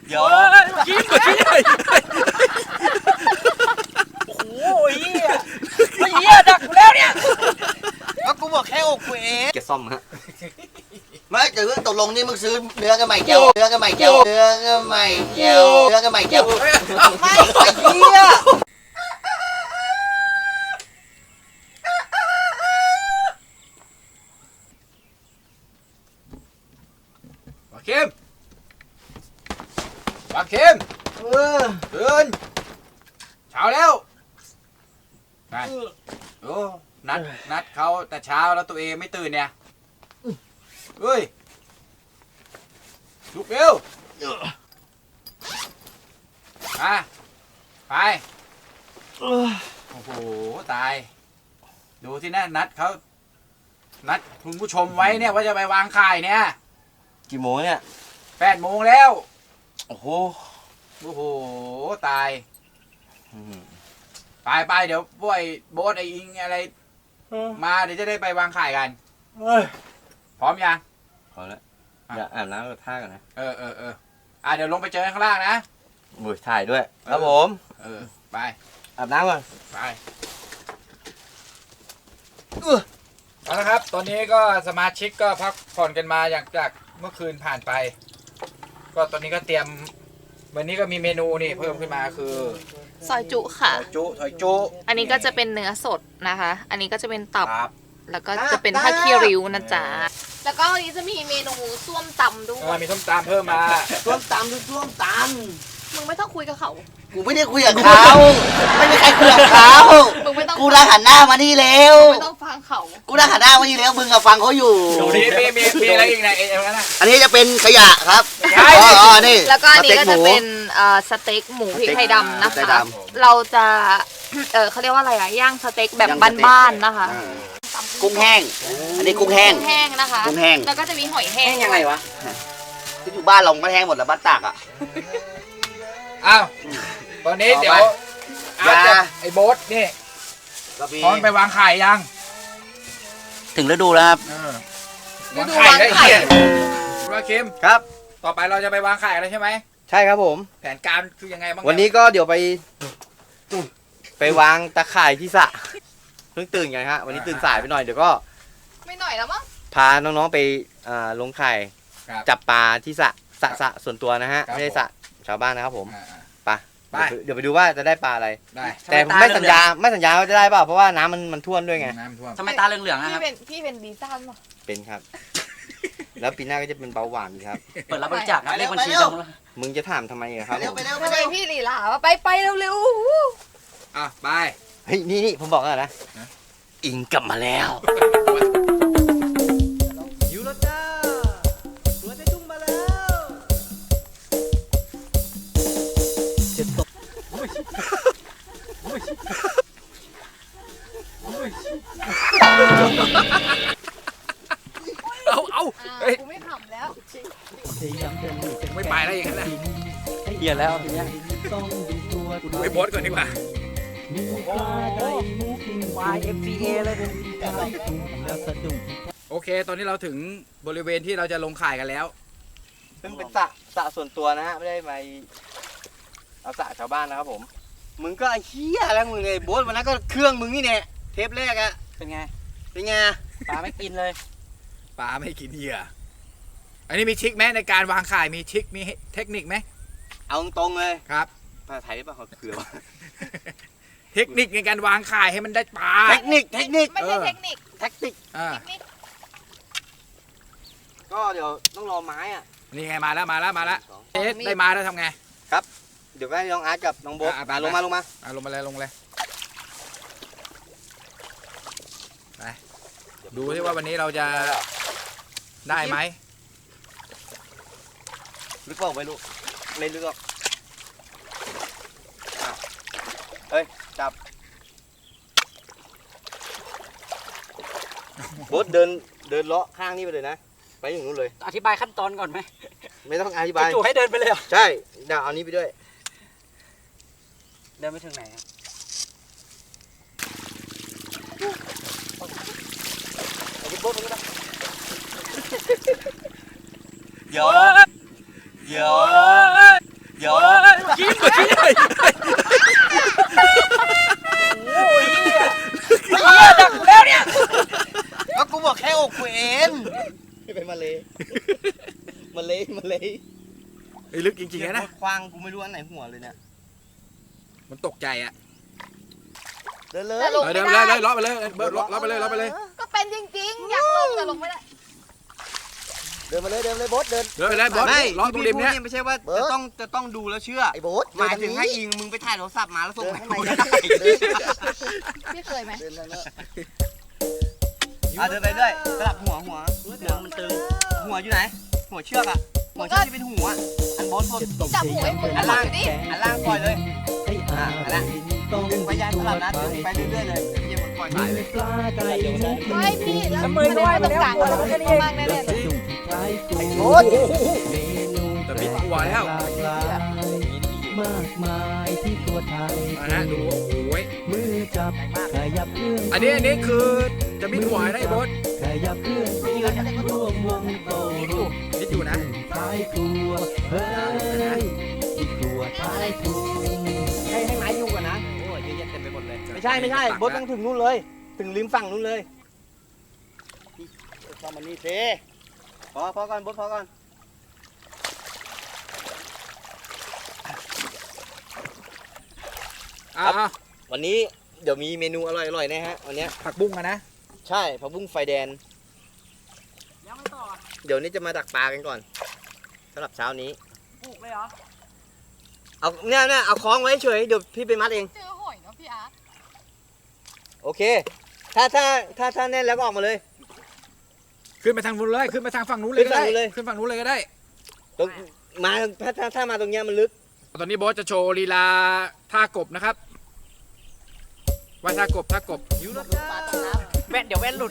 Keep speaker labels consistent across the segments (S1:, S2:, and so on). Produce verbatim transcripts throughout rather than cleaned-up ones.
S1: เดี๋ยวกินกินโอ้โหเหี้ยไม่เหี้ยดักกูแล้วเนี่ยก็กูบอกแค่อกกูเองแกซ่อมฮะไม่แต่เรื่องตกลงนี่มึงซื้อเนื้อกันใหม่เจียวเนื้อกันใหม่เจียวเนื้อกันใหม่เจียวเนื้อกันใหม่เจียวไม่ไอ้เหี้ยปาเข้มปาเข้มเออตื่นเช้าแล้วนั่นโอ้นัดนัดเขาแต่เช้าแล้วตัวเองไม่ตื่นเนี่ยเฮ้ยลุกเร็วมาไปโอ้โหตายดูที่นั่นนัดเขานัดคุณผู้ชมไว้เนี่ยว่าจะไปวางข่ายเนี่ยกี่โมงเนี่ยแปดโมงแล้วโอ้โหโอ้โหตายไปไปเดี๋ยวพวกไอ้โบ๊ทไอ้อิงอะไรมาเดี๋ยวจะได้ไปวางข่ายกันพร้อมยังพร้อมแล้วอย่าอาบน้ำกับท่ากันนะเออเออเอออ่ะเดี๋ยวลงไปเจอข้างล่างนะบุยถ่ายด้วยครับผมเออไปอาบน้ำก่อนไปเอาละครับตอนนี้ก็สมาชิกก็พักผ่อนกันมาอย่างจากเมื่อคืนผ่านไปก็ตอนนี้ก็เตรียมวันนี้ก็มีเมนูนี่เพิ่มขึ้นมาคือ
S2: ซอยจุค่ะ
S1: ซอยจุซอยจุ
S2: อันนี้ก็จะเป็นเนื้อสดนะคะอันนี้ก็จะเป็นตับแล้วก็จะเป็นผ้าคีริ้วนะจ๊ะแล้วก็วันนี้จะมีเมนูส้วมตำด้วย
S1: มีส้มตำเพิ่มมาส้วมตำคือส้วมต
S2: ำมึงไม่ต้องคุยกับเขา
S1: กูไม่ได้คุยกับเขาไม่มีใครคุยกับเขา
S2: มึงไม่ต้อง
S1: กูรักหันหน้ามานี่แล้ว
S2: ไม่ต้องฟังเขา
S1: กูรักหันหน้ามานี่แล้วมึงกับฟังเขาอยู่มีมีมีมีอะไรอีกนะเอ็มนะอันนี้จะเป็นขยะครับอ๋ออ๋อนี่
S2: แล้วก็อันนี้ก็จะเป็นสเต็กหมูพริกไทยดำนะคะเราจะเออเขาเรียกว่าอะไรอะย่างสเต็กแบบบ้านๆนะคะ
S1: กุ้งแห้งอันนี้กุ้งแห้ง
S2: กุ้งแห้งนะคะ
S1: กุ้งแห้ง
S2: แล้วก็จะมีหอยแห้ง
S1: ยังไงวะที่อยู่บ้านเราก็แห้งหมดแล้วบ้านตากอ่ะอ้าวตอนนี้เดี๋ยวอาจจะไอ้โบ๊ทนี่พร้อมไปวางไข่ยังถึงฤดูแล้วครับวางไข่ได้เขียนว่าคิมครับต่อไปเราจะไปวางไข่แล้วใช่ไหมใช่ครับผมแผนการคือยังไงบ้างวันนี้ก็เดี๋ยวไปไปวางตะข่ายที่สระเพิ่งตื่นกันฮะวันนี้ตื่นสายไปหน่อยเดี๋ยวก็
S2: ไม่หน่อยแล้วมั้ง
S1: พาน้องๆไปลงไข่จับปลาที่สระสระสระส่วนตัวนะฮะไม่ใช่สระชาวบ้านนะครับผมไปเดี๋ยวไปดูว่าจะได้ปลาอะไรได้แต่ไม่สัญญาไม่สัญญาว่าจะได้เปล่าเพราะว่าน้ำมันมันท่วมด้วยไงน้ำท่วมทำไมตาเหลืองๆนะครับ
S2: พี่เป็นพี่เป็นดีซ่านป่ะ
S1: เป็นครับแล้วปีหน้าก็จะเป็นเบาหวานครับ
S3: เปิดรับบริจาคเลขบัญชีตรงแล้ว
S1: มึงจะถามทำไมครับ
S2: ทำไมพี่หลีหลาว่าไปไปเร็ว
S1: ๆอ่ะไปเฮ้ยนี่นี่ผมบอกแล้วนะอิงกลับมาแล้วอยู่แล้วจ้าตัวในทุ่งมาแล้วเจ็บตกเอาเอา
S2: เฮ้ยกูไม่ทำแล้ว
S1: ไม่ไปแล้วอย่างนั้นนะเหี้ยแล้วทีเนี้ยไปโพสก่อนดีกว่าโอเคตอนนี้เราถึงบริเวณที่เราจะลงข่ายกันแล้วซึ่งเป็นสระสระส่วนตัวนะฮะไม่ได้ไปเอาสระชาวบ้านนะครับผมมึงก็เฮี้ยแล้วมึงเลยโบ๊ทวันนั้นก็เครื่องมึงนี่เนี่ยเทปแรกอะ
S3: เป็นไง
S1: เป็นไง
S3: ปลาไม่กินเลย
S1: ปลาไม่กินเหยื่ออันนี้มีทริคไหมในการวางข่ายมีทริคมีเทคนิคไหมเอาตรงเลยครับภาษาไทยได้ป่ะเขาเขือเทคนิคในการวางข่ายให้มันได้ปลาเทคนิคเทคนิค
S2: ไม่ใช่เทคนิค
S1: เทคนิคอ่าก็เดี๋ยวต้องรอไม้อ่ะนี่ไงมาแล้วมาแล้วมาแล้วเอ๊ะได้มาแล้วทำไงครับเดี๋ยวให้น้องอาร์ตกับน้องโบ๊ทลงมาลงมาลงมาเลยลงเลยไปดูที่ว่าวันนี้เราจะได้ไหมลึกเปล่าไม่รู้ไม่ลึกหรอกเฮ้ยจับโบ๊ทเดินเดินเลาะข้างนี้ไปเลยนะไปอย่างนู้นเลย
S3: อธิบายขั้นตอนก่อนไหม
S1: ไม่ต้องอธิบาย
S3: จู่ให้เดินไปเลย
S1: ใช่เดี๋ยวเอานี้ไปด้วย
S3: เดินไปถึงไหนครับเอาคุณโบ๊ทไปด้วยเดี๋ยวเดี๋ยว
S1: ไอ้ลึกจริงๆนะ
S4: ควางกูไม่รู้อันไหนหัวเลยเนี่ย
S1: มันตกใจอ่ะ
S4: เดินเลย
S2: แต่ลง
S1: เดิ
S2: ไม่
S1: นไป
S2: ได้
S1: เลยเลาะไปเลยเบิร์ดเลาะไปเลยเลาะไปเลย
S2: ก็เป็นจริงๆ อยากลงแต่ลงไม่ได้
S4: เดินมาเลยเดินเลยโบ๊ทเดิน
S1: เดินไปเลยบอส
S4: ไม่
S1: เลาะตรงริมเนี้ย
S4: ไม่ใช่ว่าจะต้องจะต้องดูแล้วเชื่อไอ้โบ๊ทหมายถึงให้อิงมึงไปถ่ายโทรศัพท์มาแล้วส่งมาให้กูได้
S2: พี่เคยไหม
S4: เดินเลยอ่ะเดินไปด้วยสลับหัวหัวหัวมันตึงหัวอยู่ไหน หัวเชือกอ่ะหัวเชือกที่เป็นหัวอันโบ๊ทสุด
S2: จับหูไอ้หมู
S4: อัน
S2: หลั
S4: ล่าง
S2: งดิ
S4: อันล่างปล่อยเลยอ่ะอันนั้นดึงไปยันสลับนะดึงไปเรื่อยๆเลยเยี่ยมปล่อยไปเลย
S2: เฮ้ยพี่แล้วมือด้วยตรงกลางแล้วก็นี่มากแน่เลย
S4: ไอ้โบ๊ท
S1: แต่บิดหัวแล้ว
S5: มากมายที่ตัวไทย
S1: นะฮะดูโอ้ย
S5: มือจับขยับเคลื่อน
S1: อันนี้อันนี้คือจะบิดหัวได้บอส
S5: ขยับเคลื่อนร่วมวงโตรูป
S1: บิดอยู่นะ
S5: ท้ายครัวเฮ้ยที่ครัวท้ายครัว
S4: ให้ให้ไม้ยุ่งก่อนนะโอ้ยเยอะแยะเต็มไปหมดเลยไม่ใช่ไม่ใช่โบ๊ทต้องถึงนู่นเลย ถึงริมฝั่งนู่นเลยเข้ามานี่เซพอพอก่อนโบ๊ทพอก่อน
S1: อ่า
S4: วันนี้เดี๋ยวมีเมนูอร่อยๆนะฮะวันนี้
S1: ผักบุ้งอะนะ
S4: ใช่ผักบุ้งไฟแดงเดี๋ยวนี้จะมาดักปลากันก่อนสำหรับเช้านี้
S3: ปลูกเลยเหรอ
S4: เอาเนี่ยเนี่ยเอาคล้องไว้เฉยเดี๋ยวพี่ไปมัดเอง
S2: เจอหอยเนาะพี่อาร์ต
S4: โอเค ถ้าถ้าถ้าถ้าแน่นแล้วก็ออกมาเลย
S1: ขึ้นไปทางนู้นเลยขึ้นไปทางฝั่งนู้นเลยก็ได้
S4: ขึ้นฝั่งนู้นเลย
S1: ขึ้นฝั่งนู้นเลยก็ได้
S4: ตรงมาถ้าถ้าถ้ามาตรงเนี้ยมันลึก
S1: ตอนนี้บอสจะโชว์ลีลาท่ากบนะครับว่าท่ากบท่ากบ
S4: อยู่รถปลาตกน้
S3: แว่นเดี๋ยวแว่นหลุด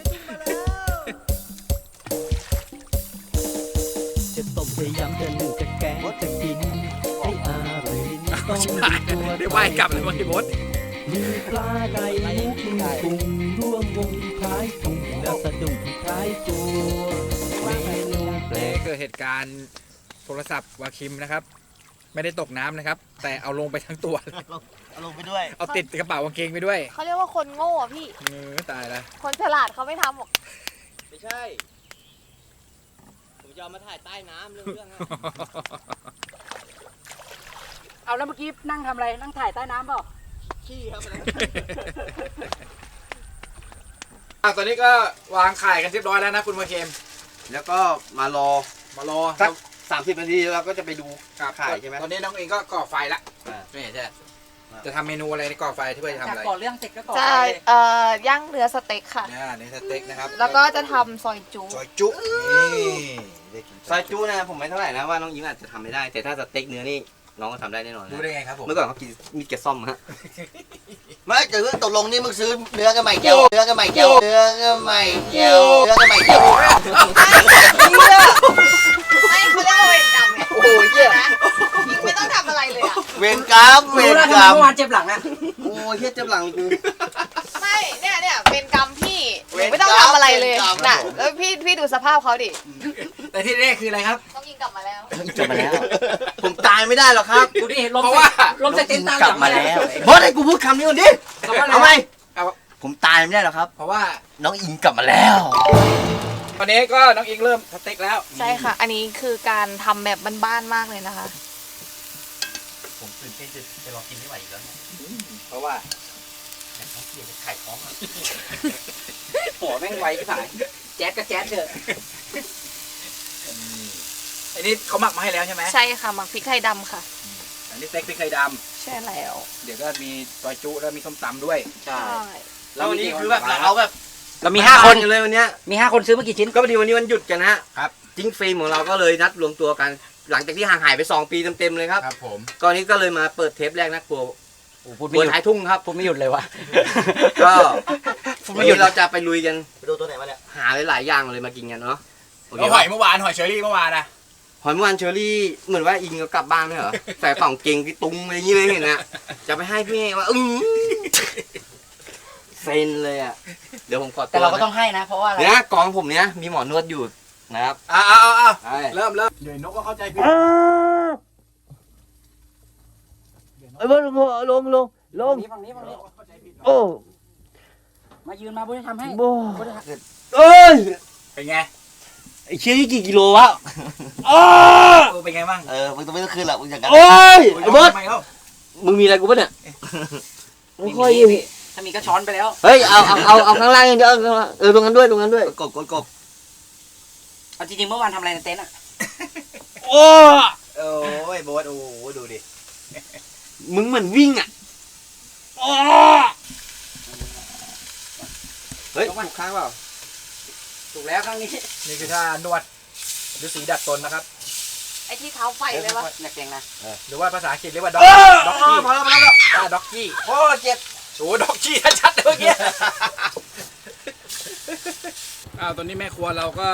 S5: จะต้มจะยำจะนึ่งจะแกงจะกินให้อร่อยลิ้นต้อง
S1: ชิบ
S5: มี
S1: หาย
S5: ตัว
S1: เดี๋ยวว่ายกลับเลยบอสบอส
S5: มีปลาไก่หมูกุ้งกุ้งร่วมวงคล้ายกุ้งแล้วสะดุ้งคล้ายตัวเมนูแปล
S1: นี่
S5: ก
S1: เกิดเหตุการณ์โทรศัพท์วาคิมนะครับ ไม่ได้ตกน้ำนะครับ แต่เอาลงไปทั้งตัวเลย
S4: ำเอาลงไปด้วย
S1: เอาติดกระเป๋ากางเกงไปด้วย
S2: เขาเรียกว่าคนโง่อะพี่
S1: เออตายละ
S2: คนฉลาดเขาไม่ทำหรอก
S4: ไม่ใช่ ผมจะเอามาถ่ายใต้น้ำเรื่องเรื่องอะ
S3: เอาแล้วเมื่อกี้นั่งทำอะไร นั่งถ่ายใต้น้ำเปล่า
S4: ขี้ครับ
S1: อ่ะตอนนี้ก็วางไข่กันเรียบร้อยแล้วนะคุณวาคิม
S4: แล้วก็มารอ
S1: มารอ
S4: สักสามสิบนาทีเราก็จะไปดู
S1: ครับ
S4: ไข่ใช่ไหม
S1: ตอนนี้น้องเองก็ก่อไฟละ
S4: อ่า
S1: นี่ใช่จะทำเมนูอะไรในก่อไฟที่เพื่อจะทำ
S3: จาก
S1: อะไร
S3: ก่อนเรื่องเสร็จก็ก่อน
S2: จะ
S3: ไปเลย
S2: เอ่อย่างเนื้อสเต็กค่ะ
S1: เนี่ยนี่สเต็กนะครับ
S2: แล้วก็จะทำซอยจุ
S1: ซอยจุนี่ได้กิน
S4: ซอยจูนะผมไม่เท่าไหร่นะว่าน้องอิงอาจจะทำไม่ได้ แต่ถ้าสเต็กเนื้อนี่น้องก็ทำได้แน่นอนนะ
S1: รู้ได้ไงครับผม
S4: เมื่อก่อนเขากินมีดแกะซ่อมฮะ ไม่แต่เรื่องตกลงนี่มึงซื้อเนื้อกันใหม่แก้วเนื้อกันใหม่แก้วเนื้อกันใหม่แก้วเนื้อกันใหม่แก้ว
S2: ไม่เขาเรียกว่าเวรกรรมไง
S4: โอ้โหเหี้ย
S2: นะยิงไม่ต้องทำอะไรเลยอะ
S4: เวรกรรมเว
S3: รู้
S4: ร
S3: แล้ว
S4: ก
S3: ทำ
S4: ร
S3: ไม
S4: รม
S3: เมื่อวานเจ็บหลังอะ
S4: โอ้ยเฮียเจ็บหลังกู
S2: ไม่เนี่ยเนี่ยเวรกรรมพี่ห
S4: เว
S2: นู
S4: รกรรม
S2: ไม่ต้องทำอะไรเลย
S4: เวรกรรม
S2: น่ะแล้วพี่พี่ดูสภาพเขาดิ
S1: แต่ที่แน่คืออะไรครับ
S2: ต้องยิงกลับมาแล้ว
S4: กลับมาแล้ว ผมตายไม่ได้หรอกครับ
S3: ดูดิลม
S1: เพราะว่า
S3: ลมใส่เต็นท์ตาม
S4: กลับมาแล้วบอสให้กูพูดคำนี้ก่อนดิ
S3: คำว่าอะไร
S4: เอาไหม
S1: เอา
S4: ผมตายไม่ได้หรอกครับ
S1: เพราะว่า
S4: น้องอิงกลับมาแล้ว
S1: ตอนนี้ก็น้องอิงเริ่มสเต็กแล้ว
S2: ใช่ค่ะ อันนี้คือการทำแบบบ้านๆมากเลยนะคะ
S4: ผมตื่นเต้นจะจะรอกินไม่ไหวอีกแล้วเนี่ย
S1: เพราะว่า
S4: แต่เขาเกลียดจะไข่ท้องอ่ะ
S3: หัวแม่งไวที่ผายแจ๊ดก็แจ๊ดเถอะ
S1: อันนี้เขาหมักมาให้แล้วใช่ไหม
S2: ใช่ค่ะหมักพริกไทยดำค่ะ
S1: อันนี้สเต็กพริกไทยด
S2: ใช่แล้ว
S1: ำเดี๋ยวก็มีซอยจุแล้วมีส้มตำด้วย
S3: ใช่
S2: ใช่
S4: แล้ววันนี้คือแบบเราแบบ
S3: เรามีห้าคน
S4: กัเลยวันเนี้ย
S3: มีห้าคนซื้อมากี่ชิ้น
S4: ก็พอดีวันนี้วันหยุดกันนะฮะ
S1: ครับ
S4: จิ้งฟิล์มของเราก็เลยนัดรวมตัวกัน หลังจากที่ห่างหายไปสองปีเต็มๆเลยครับ
S1: ครับผม
S4: ตอนนี้ก็เลยมาเปิดเทปแรกนะครัว
S3: โอ้พูด
S4: ค
S3: ไม่
S4: รัว
S3: หยุด
S4: ท้ายทุ่งครับ
S3: พูดไม่หยุดเลยวะ
S4: ก็
S3: พูด
S4: วั
S3: ไม่
S4: น
S3: หยุด
S4: นี้เราจะไปลุยกัน
S6: ไปดูตัวไหนมาเนี่ย
S4: หาหลายๆอย่างเลยมากินกันเนาะโอเค
S1: แล้วห
S4: ปะ
S1: อยเมื่อวานหอยเชอรี่เมื่อวานนะ
S4: หอยเมื่อวานเชอรี่เหมือนว่าอิงก็กลับบ้านไม่เหรอ ใส่กล่องเกงที่ตุ้งอะไรอย่างนี้เลยเห็นนะจะไปให้พี่ว่าอือเซนเลยอ่ะเดี๋ยวผมขอตัว
S3: แต่เราก็ต้องให้นะ เพราะว่าอะไร
S4: เนี่ยกองผมเนี้ยมีหมอนวดอยู่นะครับ
S1: อ่าอ่าอ่า
S4: ใช่
S1: เริ่มเริ่ม
S6: เดี๋ยวนกก็เข้าใจผิด
S4: เอ้ยลงลงลงลง
S3: ฝั่งนี้ฝั่งนี้
S4: โอ้
S3: มายืนมาบุญทำให้
S4: โบ
S3: บุญทำ
S4: เอ้ย
S1: เป็นไง
S4: ไอ้เชี่ยนี่กี่กิโลวะ
S1: เออเป็นไงบ้าง
S3: เออมึงต้องไม่ต้องคืนหรอกมึงอย่างนั้น
S4: โอ้ยไอ้บอส
S1: ทำไมเล่า
S4: มึงมีอะไรกูปะเนี่ยไม่ค่อย
S3: มีมีถ้ามีก็ช้อนไปแล้ว
S4: เฮ้ยเอาเอาเอาเอาข้างล่างอย่างเดียวเอาข้างล่างเออตรงนั้นด้วยตรงนั้นด้วย
S3: กบกบกบเอาจริงๆเมื่อวานทำอะไรในเต็นท์อ่ะ
S1: โอ้
S3: โอ้ยโบ๊ทโอ้โหดูดิ
S4: มึงเหมือนวิ่งอ่ะ
S1: โอ้
S4: เฮ้ยถูกข้างเปล่า
S3: ถูกแล้วครั้งนี้
S1: นี่คือท่านวดฤาษีดัดตนนะครับ
S2: ไอ้ที่เท้าไฟเลยวะ
S3: หนักเก่งนะ
S1: หรือว่าภาษาอังกฤษเรียกว่าด็อกด็อกกี้
S3: พอแล้วพอแล้ว
S1: อ่าด็อกกี้
S3: โอ้เจ็บ
S1: โอ้ด็อกกี้ชัดๆเลยเมื่อกี้อ้าวตอนนี้แม่ครัวเราก็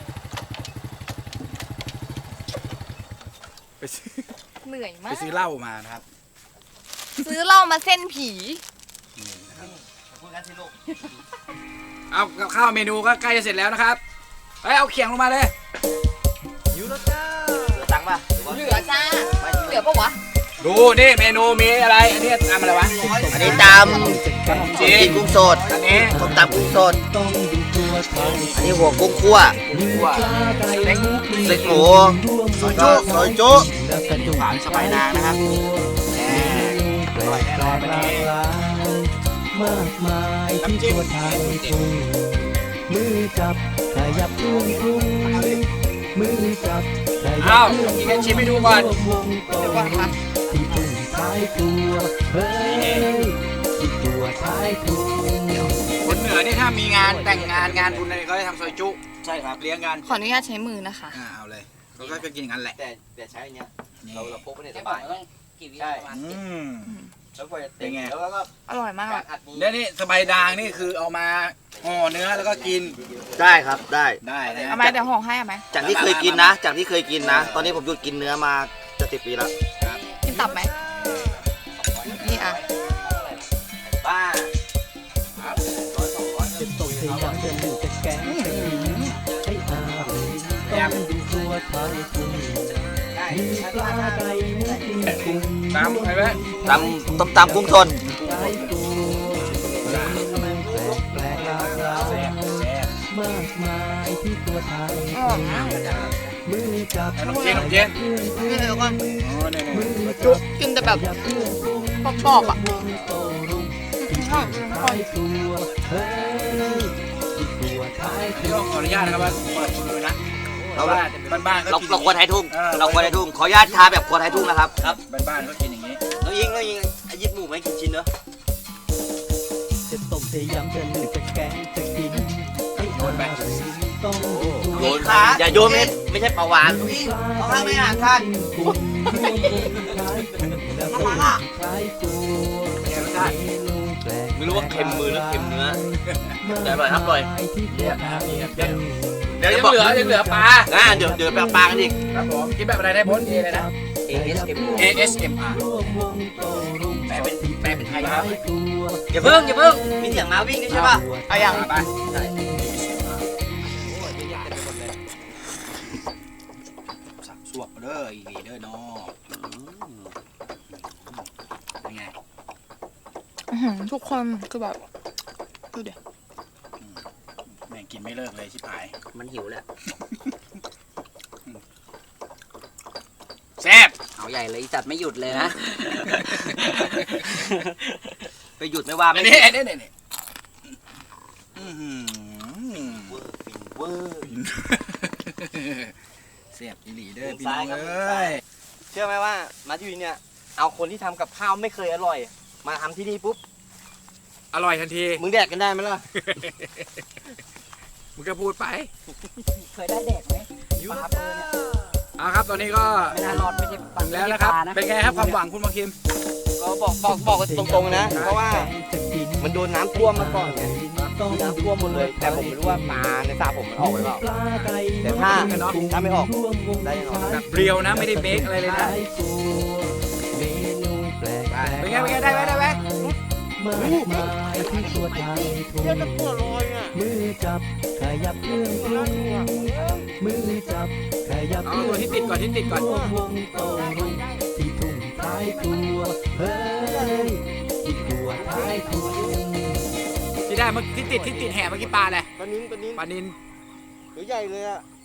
S1: ไปซื้อ
S2: เหนื่อย
S1: ไป
S2: มาก
S1: ซื้อเหล้ามานะครับ
S2: ซื้อเหล้ามาเส้นผี
S3: พูดกันสิลูก
S1: เอากับข้าวเมนูก็ใกล้จะเสร็จแล้วนะครับเฮ้ยเอาเขียงลงมาเลย
S3: ยูโรจ้าเหลือตังค์ป่ะหรือว่า
S2: เหลือจ้า เหลือปะวะ
S1: ดูนี่เมนูมีอะไรอันนี้ตามอะไรวะ
S3: อันนี้ตำ
S1: จีน
S3: กุ้งสด
S1: อันนี้
S3: ต้มตำกุ้งสด
S5: ต้องดูตัวไทย
S3: อันนี้หัวกุ้งคั่ว
S1: ว่าเล็ก
S3: เล็กหมูซอยจุซอยจุ
S5: และสะดุด
S3: ฝานสบายนางนะครับ
S5: แปลกแปลกหลากหลายมากมายที่ตัวไทยทุ่งมือจับขยับทุ่งทุ่งมือจับขยั
S1: อ้าว
S5: บ
S1: กินกันชิมให้ดูก่อน
S5: วงโตที่ทุ่งท้ายตัวเฮ้ยที่ตัวท้ายทุ่ง
S1: คนเหนือนี่ถ้ามีงานแต่งงานงานบุญอะไรก็ได้ทำซอยจุ
S3: ใช่ครับ
S1: เลี้ยงกัน
S2: ขออนุญาตใช้มือนะคะ
S1: อ่าเอาเลยเขาก็จะกินกันแหละ
S4: แต่แต่ใช้อันเนี้ย
S1: นี่
S4: เราเราพกไปใน
S3: ใช่
S4: ส
S3: ป่ะ
S4: บาย
S3: ต้องกี่วิประมาณ
S1: อืม
S4: แล้วก็จะ
S1: เป็นไง
S4: แล้วก็
S2: อร่อยมาก
S4: การอัดนี้
S1: แล้วนี่สบายดางนี่คือเอามาห่อเนื้อแล้วก็กิน
S3: ได้ครับได้
S1: ได้นะ
S2: เอาไหมเดี๋ยวห่อให้เอาไหม
S3: จากที่เคยกินนะ จากที่เคยกินนะ ตอนนี้ผมหยุดกินเนื้อมาจะสิบปีแล้ว
S2: กินตับไหมนี่อ่ะ
S3: บ้า
S5: จะตกพยายามจะหนึ่งจะแกงจะกินให้อาต้องดูตัวไทยทุ่งมีปลาไก่หมูปิ้งกุ้ง
S1: ตามไปไหม
S3: ตำต้มตำกุ้งสด
S5: ท้ายตัวแปลกแปลกหลากหลาย
S1: แซ่บแซ่บ
S5: มากมายที่ตัวไทย
S2: อร่อยมาก
S5: มือจับ
S1: ขนมจีนขนมจีน
S5: เพื่อนเพื่อน
S2: นี่เดี๋ยวก่อน
S1: อ๋อเนี่ย
S5: มื
S1: เนี่ย
S5: อจับ
S2: กินแต่แบบ
S5: อย่าเพื่อนกุ้ง
S2: กรอบๆอ่ะ
S5: วงโตรุ่งที่ตัวท้ายตัวเฮ้ยที่ตัวท้าย
S1: นี่
S5: ตัว
S1: ก็ขออนุญาตนะครับว่าเปิดมือนะ
S3: เรา
S1: บ้านบ้านๆก็
S3: เรา
S1: กิน
S3: เราควรไทยทุ่ง เราควรไทยทุ่ง ขออนุญาตทาแบบควรไทยทุ่งนะครับ ครับ
S1: บ้านบ้านๆก็กินอย่างนี้
S4: น้องยิงน้องยิงไอ้ยิบหมูไม่กินชิ้นเนอะ
S5: จะต้มจะยำจะนึ่งจะแกงจะกินให้อร่อยต้องดูตัว
S3: โยนขาอย่าโยนไม่ไม่ใช่ปลาวานเอาข้างไม่ห่างกัน
S5: กุ้งรวมวงท้ายกุ้งแล้วก็ท้ายตัว
S1: เป็นไงรสชาติ
S5: เมนูแปลก
S4: ไม่รู้ว่าเค็มมือหรือเค็มเนื้อ
S5: แต่อร่อยครับอร่อยที่ตัวไทย
S1: เดี๋ยวยังเหลือยังเหลือปลา
S4: อ่าเดี๋ยวเดี๋ยวไปเอาปลากันอีก
S1: ครับผมกินแบบอะไรได้พ้นเอเลยนะ
S3: เอเอสเอ็ม
S1: A S M R
S5: ร่วมวงโตรุ่ง
S1: แปลเป็นแปลเป็นไทยครับ
S5: ตัว
S4: อย่าเพิ่งอย่าเพิ่งมีเสียงม้าวิ่งด้วยใช่ป่ะ
S1: เอาอย่างไปสับสวกเด้ออีกเด้อเนาะเป็นไง
S2: อื้อหือทุกคนคือแบบดูเดี๋ยว
S1: แม่งกินไม่เลิกเลยชิบหาย
S3: มันหิวแหละ
S1: แซ่บ
S3: เอาใหญ่เลยจัดไม่หยุดเลยนะ ไปหยุดไม่ว่า
S1: อั
S3: ไม่
S1: นนี้อันนี้อันนี้อื้อหือ
S3: เวอร์
S1: เสียบอีหลีเด้อพี่น้องเอ้ย
S4: เชื่อไหมว่ามาที่นี่เนี่ยเอาคนที่ทำกับข้าวไม่เคยอร่อย มาทำที่นี่ปุ๊บ
S1: อร่อยทันที
S4: มึงแดกกันได้ไหมล่ะ
S1: มึงก็พูดไป
S3: เคยได้แดกไหมปลาเปอร์เนี่ย
S1: เอาครับตอนนี้ก็
S3: ไม่น่ารอดไม่ใช่ปลา
S1: ถึงแล้วนะครับ เป็นไงครับความหวังคุณมาคิม
S4: ก็บอกบอกบอกกันตรงๆนะ เพราะว่ามันโดนน้ำท่วมมาก่อนไง
S5: ต้อง
S4: น้ำท่วมหมดเลย แต่ผมไม่รู้ว่าปลาในสระผมมันออกไปเปล่า
S5: ปลาไก่
S4: แต่ถ้าถ้าไม่ออกได้แน่นอน
S1: แบบเรียวนะไม่ได้เบคอะไรเลยนะ
S5: เมนูแปลก
S1: เป็นไงเป็นไงได้ไหมได้ไหม
S5: มากมายที่ตัวไทยทุ่งมือจับขยับเครื่องปรุงมือจับขยับ
S1: เอาตัวที่ติดก่อนที่ติดก่อน
S5: วงวงโตรุ่งที่ทุ่งท้ายตัวเฮ้ยที่ตัวท้ายทุ่ง
S1: ที่ได้เมื่อที่ติดที่ติดแห่เมื่อกี้ปลาอะไร
S4: ปลานิ้นปลานิ้น
S1: ปลานิน
S4: ตัวใหญ่เลยอ่ะ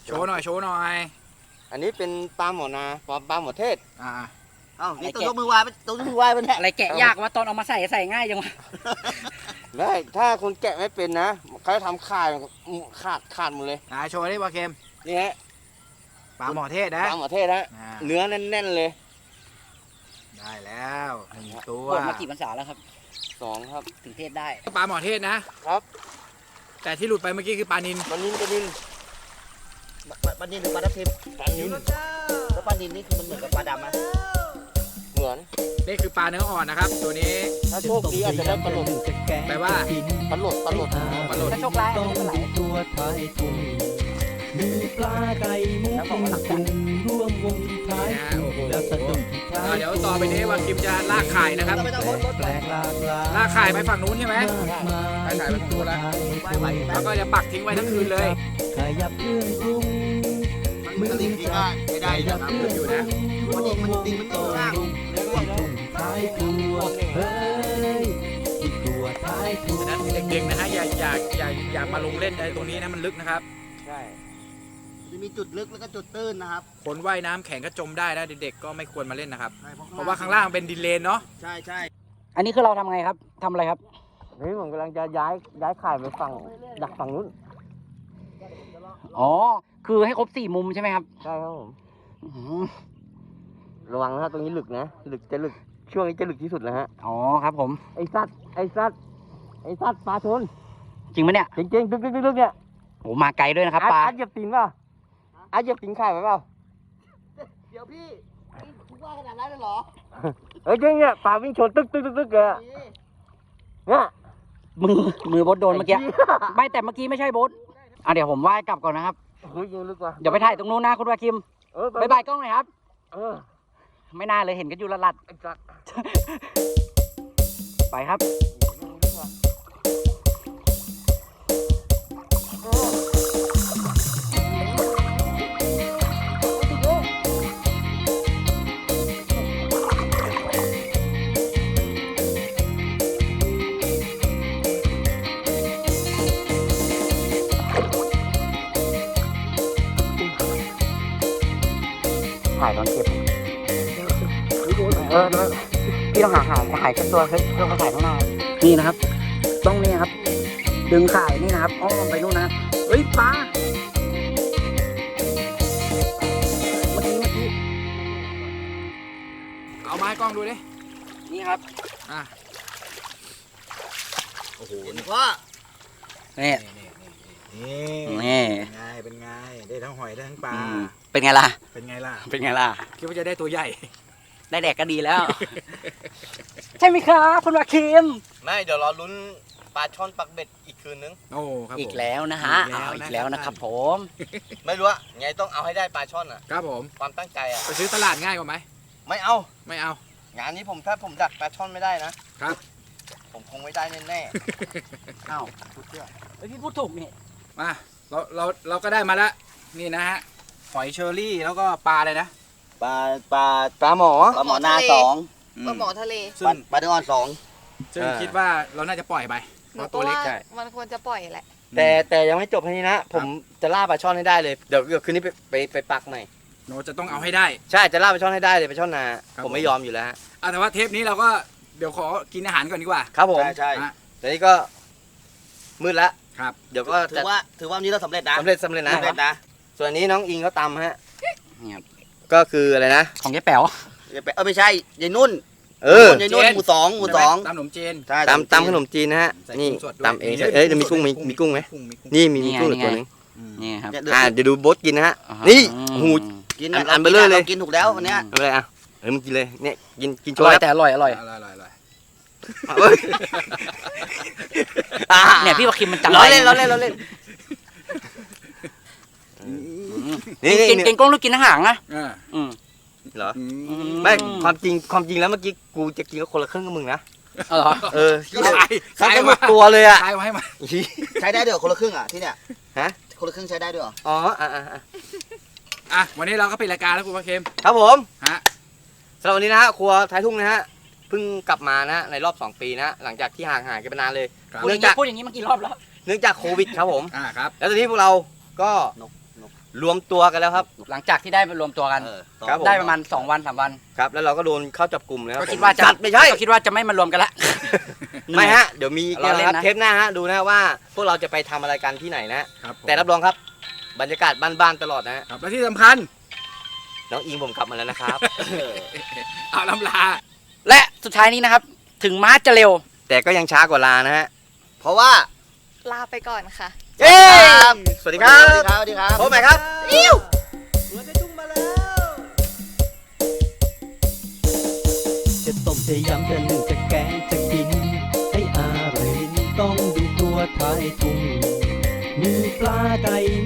S1: โชว์หน่อยโชว์หน่อย
S4: อันนี้เป็นปลาหมอนาปลาปลาหมอเทศ
S1: อ่า
S3: เอ้านี่ต้องยกมือไหว้ต้องยกมือไหว้มันแหละ
S6: อะไรแกะยากว่าตอนเอามาใส่ใส่ง่ายจังวะ
S4: ได้ถ้าคนแกะไม่เป็นนะเขาจะทำขาดขาดขาดหมดเลย
S1: อ่าโชว์ดิปลาเค็ม
S4: นี่ฮะ
S1: ปลาหมอเทศ
S4: ป
S1: นะ
S4: ลาหมอเทศฮะ
S1: อ่า
S4: เนื้อแน่นๆเลย
S1: ได้แล้วหนึ่งตัว
S6: บวชมากี่พรรษาแล้วครับ
S4: สองครับ
S6: ถึงเทศได้
S1: ปลาหมอเทศนะครับ แต่ที่หลุดไปเมื่อกี้คือปลานิล
S4: ปลานินปลานิน
S3: ปลานินหรือปลาทับทิม
S4: ปลานิน
S3: แล้วปลานินนี่คือมันเหมือนกับปลาดำไหม
S4: เหมือน
S1: นี่คือปลาเนื้ออ่อนนะครับ ตัวนี้
S4: ถ้าโชคดีอาจจะได้ปลาหลด
S1: แปลว่า
S4: ปลาหลดปลาหลด
S1: ปลาหลด
S6: ถ้าโชคร้าย
S5: ต้
S6: ก็
S5: อง
S6: ไม่เป็นไร
S5: ตัวท้ายทุ่งมีปลาไก่หมูปิ้งกุ้งร่วมวงท้าย
S1: นะฮะ
S5: ทุ่ง
S1: โอ้โห
S5: แล้วสะดุดที่ท้า
S1: อ่าย เดี๋ยวต่อไปนี้วาคิมจะลากไข่นะครับ
S3: ไม่ต้อง
S5: แป
S3: พ้
S5: ล
S3: น
S5: กแปลกหลากหลาย
S1: ลากไข่ไปฝั่งนู้นใช่ไหม
S5: มากมายที่ตัวท้ายทุ่ง
S1: แล้วก็จะปักทิ้งไว้ทั้งคืนเลย
S5: ขยับเครื่องปรุงมือ
S3: ลิงที่ก็ไม่ได้นะ
S1: ครับอยู่นะ
S3: มันดิงมันดิงมันอยู่ล่าง
S5: ท้ายครัวเฮ้ยที่ครัวท้ายครัว
S1: ฉะนั้นเด็กๆนะฮะอย่าอย่าอย่าอย่ามาลงเล่นในตรงนี้นะมันลึกนะครับ
S4: ใช่
S3: จะมีจุดลึกแล้วก็จุดตื้นนะครับ
S1: คนว่ายน้ำแข็งก็จมได้นะเด็กๆก็ไม่ควรมาเล่นนะครับ
S3: ใช่
S1: เพราะว่าข้างล่างเป็นดินเลนเนาะ
S3: ใช่ใช่
S6: อันนี้คือเราทำไงครับทำอะไรครับ
S4: นี่ผมกำลังจะย้ายย้ายข่ายไปฝั่งดักฝั่งนู้น
S6: อ๋อ คือให้ครบสี่มุมใช่ไหมครับ
S4: ใช่ครับผม
S6: อื้อหือ
S4: ระวังนะครับตรงนี้ลึกนะลึกจะลึกช่วงนี้จะลึกที่สุดแล้วฮะ
S6: อ๋อครับผม
S4: ไอ้สัตว์ไอ้สัตว์ไอ้สัตว์ปลาชน
S6: จริงไหมเนี่ย
S4: จริงๆลึกๆๆๆเนี่ย
S6: โหมาไกลด้วยนะครับ
S4: อาร์ต
S6: ปลา
S4: อาร์ตเหยียบตีนเปล่าอาร์ตเหยียบตีนข่ายไว้เปล่า
S3: เดี๋ยวพี่คุณว่าขนาดนั้นเลยเหรอ
S4: เอ้ยจริงเนี่ยปลาวิ่งชนตึ๊กตึ๊กตึ๊กตึ๊กเลยอะเนี่ย
S6: มือมือโบดโดนเมื่อกี้
S4: ไหี้ย
S6: ไม่แต่เมื่อกี้ไม่ใช่โบดอ่ะเดี๋ยวผมว่ายกลับก่อนนะครับ
S4: เฮ้ยยังลึกว่ะ
S6: เดี๋ยวไปถ่ายตรงนู้นนะคุณวาคิม
S4: เออ
S6: บ๊ายบายกล้องหน่อยครับ
S4: เออ
S6: ไม่น่าเลยเห็นกันอยู่ละลัด
S4: ไอ้สัตว์
S6: ไปครับ ถ่ายตอนเก็บ เออพี่ต้องหาหาหายสักตัวเฮ้ยเพื่อมาถ่ายข้างหน้า นี่นะครับ ต้องนี่ครับ ดึงข่ายนี่นะครับ อ้อมไปนู่นนะครับเฮ้ยปลา เมื่อกี้เมื่อกี้
S1: เอาไม้กล้องดูดิ
S6: นี่ครับ
S1: อ่ะโอ้โหนี่
S3: ว่า
S6: นี่
S1: นี่
S6: นี่
S1: เป็นไงเป็นไงได้ทั้งหอยได้ทั้งปลา
S6: อืมเป็นไงล่ะ
S1: เป็นไงล่ะ
S6: เป็นไงล่ะ
S1: คิดว่าจะได้ตัวใหญ่
S6: ได้แดกก็ดีแล้ว ใช่ไหมครับคุณวาคิม
S4: ไม่เดี๋ยวรอลุ้นปลาช่อนปักเบ็ดอีกคืนนึง
S1: โอ้ครับผม
S6: อีกแล้วนะฮะ
S1: อีกแล้ว
S6: อ้าว
S1: นะ
S6: อีกแล้วนะครับผม
S4: ไม่รู้อะไงต้องเอาให้ได้ปลาช่อนอะ
S1: ครับผม
S4: ความตั้งใจอะ
S1: ไปซื้อตลาดง่ายกว่าไหม
S4: ไม่เอา
S1: ไม่เอา
S4: งานนี้ผมถ้าผมดักปลาช่อนไม่ได้นะครับ ผมคงไม่ได้แน่
S6: อ้าวพูดเชื่อเฮ้ยพี่พูดถูกนี่
S1: มาเราเราเราก็ได้มาแล้วนี่นะฮะหอยเชอรี่แล้วก็ปลาอะไรนะ
S3: ปลาปลา
S4: ๆปลาหมอ
S3: ปลาหมอนาสอง
S2: ปลาหมอทะเล
S1: ซึ่
S3: ปลาง ปลาเนื้ออ่อนสอง
S1: ซึ่งคิดว่าเราน่าจะปล่อยไป
S2: ห
S1: เพ
S2: นู
S1: ราะ
S2: ก็
S1: ตัวเล็ก
S2: ว่า
S1: ใช่
S2: มันควรจะปล่อยแหละ
S4: แต่แต่ยังไม่จบแค่นี้นะ ผมจะล่าปลาช่อนให้ได้เลย เดี๋ยวเดี๋ยวคืนนี้ไปไปไปปักใหม่
S1: เราจะต้องเอาให้ได้
S4: ใช่จะล่าปลาช่อนให้ได้เลยปลาช่อนนา
S1: ครับ
S4: ผมไม่ยอมอยู่แล้วฮะ
S1: อ่ะแต่ว่าเทปนี้เราก็เดี๋ยวขอกินอาหารก่อนดีกว่า
S4: ครับผม
S3: ใช่ใช่
S1: อ่ะ
S4: แต่นี้ก็มืดละ
S1: ครับ
S4: เดี๋ยวก็
S3: ถื
S4: จะ
S3: อว่าถือว่าวันนี้เราสำเร็จนะ
S4: สำเร็จสำเร็จนะ
S3: สำเร็จนะ
S4: ส่วนอันนี้น้องอิงเขาตำฮะ
S6: นี่ครับ
S4: ก็คืออะไรนะ
S6: ของยายแป๋ว
S3: อย่าไปเออไม่ใช่ยายนุ่น
S4: เออ
S3: ยายนุ่นหมู่สองหมู่สอง
S1: ตามขนมจีน
S3: ใช่
S4: ตำตำขนมจีนนะฮะ
S1: ใส่
S4: นี่
S1: กุ้งสดด้วย
S4: ตำเองใช่เอ้ยเดี๋ยวมีกุ้งมีมีกุ้งไหม
S1: กุ้งมีกุ้ง
S4: นี่มี
S6: นี่
S4: มี
S6: ไง
S4: กุ้ง
S6: นี่
S4: อีก
S6: ไง
S4: ตัวหนึง
S1: อืม
S6: นี่ครับ
S4: อ่าเดี๋ยวดูโบ๊ทกินนะฮะ
S6: อ่า
S4: นี่
S6: อืม
S4: หู
S3: กิน
S4: อัน
S3: นะ
S4: อันเบลอเลย
S3: รากินถูกแล้ววันเนี้ย
S4: เอาเลยอ่ะเฮ้ยมึงกินเลยเนี่ยกินกิน
S6: อ
S4: โชว์
S6: ร่อย
S4: แล้ว
S6: แต่อร่อยอร่อย
S1: อร่อยอร่อยอร่อย
S4: เฮ้ยอ่า
S6: เนี่ยพี่วาคิมมันจัง
S4: ล้อ
S6: ไร
S4: เล่นล้อเล่นล้อเล่น
S6: อืม
S4: นี่
S6: กิน
S4: นี่
S6: กินกล้องลูกกินอาหารนะ
S1: อ่า
S6: อืม
S4: เหรอ
S1: อืม
S6: อื
S4: ไม่ความจริงความจริงแล้วเมื่อกี้กูจะกินก็คนละครึ่งกับมึงนะ
S6: เอาเหรอ
S4: เออ
S1: ขาย
S4: ใช้
S1: ขาย
S4: กันหม
S1: มา
S4: ดตัวเลยอ่ะ
S1: ขายมาให้มา
S3: ใช้ได้ด้วยเหรอคนละครึ่งอ่ะที่เนี่ย
S4: ฮะ
S3: คนละครึ่งใช้ได้ด้วยเหรอ
S4: อ๋ออ่ะอ่ะอ่ะ
S1: อ่ะวันนี้เราก็ปิดรายการแล้วคุณพระเค็ม
S4: ครับผม
S1: ฮะ
S4: สำหรับวันนี้นะฮะครัวท้ายทุ่งนะฮะเพิ่งกลับมานะในรอบสองปีนะหลังจากที่ห่างหายกันไปนานเลย
S1: ครับ
S6: พูดอย่างนี้พูดอย่างนี้มากี่รอบแล้ว
S4: เนื่องจากโควิดครับผม
S1: อ่าครับ
S4: แล้วตอนนี้พวกเราก็รวมตัวกันแล้วครับ
S6: หลังจากที่ได้มารวมตัวกัน
S4: เออครับผม
S6: ได้ประมาณสองวันสามวัน
S4: ครับแล้วเราก็โดนเข้าจับกลุ่มแล้ว
S6: ก็คิดว่าจะ
S4: จัดไม่ใช่
S6: ก็คิดว่าจะไม่มารวมกันละ
S4: ไม่ฮะเดี๋ยวมี
S6: รอเล่น
S4: นะครับ
S6: นะ
S4: เทปหน้าฮะดูนะว่าพวกเราจะไปทำอะไรกันที่ไหนนะ
S1: ครับผม
S4: แต่รับรองครับบรรยากาศบ้านๆตลอดนะฮะ
S1: ครับและที่สำคัญ
S4: น้องอิงผมกลับมาแล้วนะครับ
S1: เอาลำลา
S6: และสุดท้ายนี้นะครับ ถึงม้าจะเร็ว
S4: แต่ก็ยังช้ากว่าลานะฮะเพราะว่า
S2: ลาไปก่อนค่ะ
S4: เย้สวัสดีครับ
S3: สวัสดีครับสวัสดีครับ
S4: พบใหม่ครับ
S5: จะต้มจะยำจะนึ่งจะแกงจะกิน ให้อร่อยลิ้นต้องดูตัวท้ายทุ่งมีปลาไก่